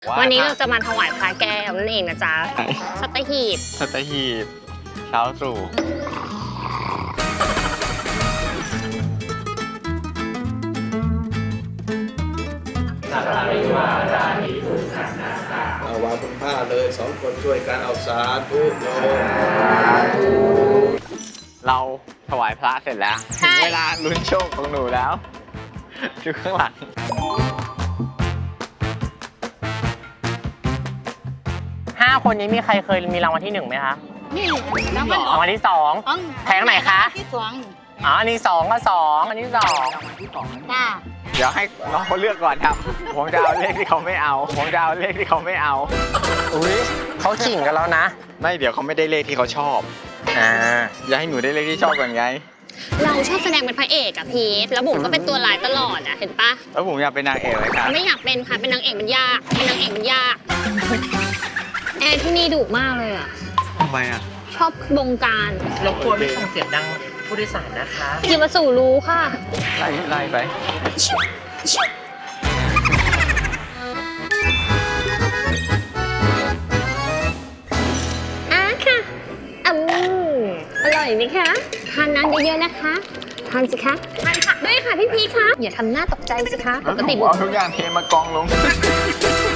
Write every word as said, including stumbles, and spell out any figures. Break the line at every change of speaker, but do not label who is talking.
วันนี้เราจะมาถวายพระแก้วนั่นเองนะจ๊ะสัตหีบ
สัตหีบเช้าตรู่
เอาวางบนผ้าเลยสองคนช่วยกันเอาสาธุโยม
เราถวายพระเสร็จแล้วถึงเวลาลุ้นโชคของหนูแล้วดูข้างหลัง
ห้าคนนี้มีใครเคยมีรางวัลที่หนึ่งไหมคะ
นี่รางวัล
รางวัลที่สองแผงไหนคะ
ที่สอง
อ๋ออันนี้สองก็สองอันนี้สอง
จ้า
เดี๋ยวให้น้องเขาเลือกก่อนครับผมจะเอาเลขที่เขาไม่เอาผมจะเอาเลขที่เขาไม่เอา
อุ้ยเขาขิงกันแล้วนะ
ไม่เดี๋ยวเขาไม่ได้เลขที่เขาชอบ
อ่า
อย่าให้หนูได้เลขที่ชอบก่อนไง
เราชอบแสดงเป็นพระเอกอะพีทแล้วบุ๋มก็เป็นตัวร้ายตลอดอะเห็นปะ
แล้วผมอยากเป็นนางเอกเลยครับ
ไม่อยากเป็นค่ะเป็นนางเอกมันยากเป็นนางเอกมันยากแอร์ที่นี่ดุมากเลยอะ
ทำไมอ่ะ
ชอบบงการ
รบกวนไม่ส่งเสียงดังผู้โดยสารนะคะ
อย่ามาสู่รู้ค่ะ
ไล่ไล่ไป
อ่ะค่ะอืมอร่อยไหมคะทานน้ำเยอะๆนะคะทานสิคะทานผักด้วยค่ะพี่พีคะอย่าทำหน้าตกใจสิคะปกติบุ๋
เอา
ม
ทุกอย่างเทมากองลง